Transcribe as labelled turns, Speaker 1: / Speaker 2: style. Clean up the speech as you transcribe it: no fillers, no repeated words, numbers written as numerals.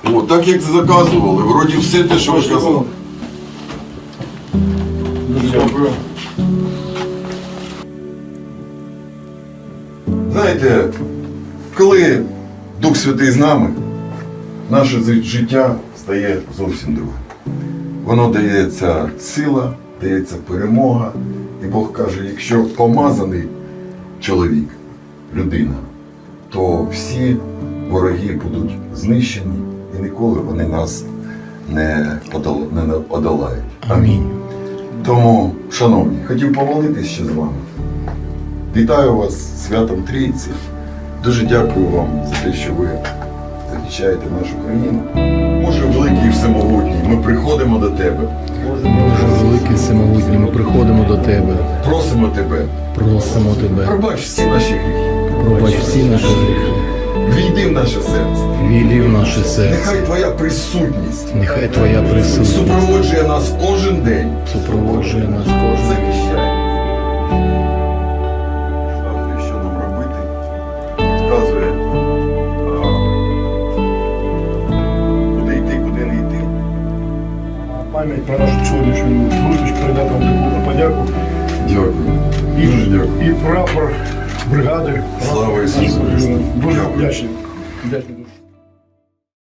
Speaker 1: О, так як заказували, вроді все те, що ви казали.
Speaker 2: Дуже дякую.
Speaker 1: Знаєте, коли Дух Святий з нами, наше життя стає зовсім другим. Воно дається сила, дається перемога. І Бог каже, якщо помазаний чоловік, людина, то всі вороги будуть знищені і ніколи вони нас не одолають.
Speaker 2: Амінь.
Speaker 1: Тому, шановні, хотів помолитись ще з вами. Вітаю вас з святом Трійці. Дуже дякую вам за те, що ви захищаєте нашу країну. Боже великий і всемогутній, ми приходимо до Тебе.
Speaker 2: Боже великий всемогутній, ми приходимо до Тебе.
Speaker 1: Просимо Тебе.
Speaker 2: Просимо Тебе.
Speaker 1: Пробач всі наші гріхи.
Speaker 2: Пробач всі наші гріхи.
Speaker 1: Війди в наше серце.
Speaker 2: Війди в наше серце.
Speaker 1: Нехай Твоя присутність
Speaker 2: Нехай Твоя присутність
Speaker 1: супроводжує нас кожен день.
Speaker 2: супроводжує нас кожен.
Speaker 1: Захищай. Показує, що нам робити. Підказує, куди йти, куди не йти.
Speaker 3: Пам'ять про нашу сьогоднішню зустріч передати вам таку подяку.
Speaker 1: Дякую. Дуже дякую.
Speaker 3: І прапор бригади.
Speaker 1: Слава Ісусу Христу.
Speaker 3: Дуже
Speaker 1: Дякую.
Speaker 3: вдячний. Вдячний.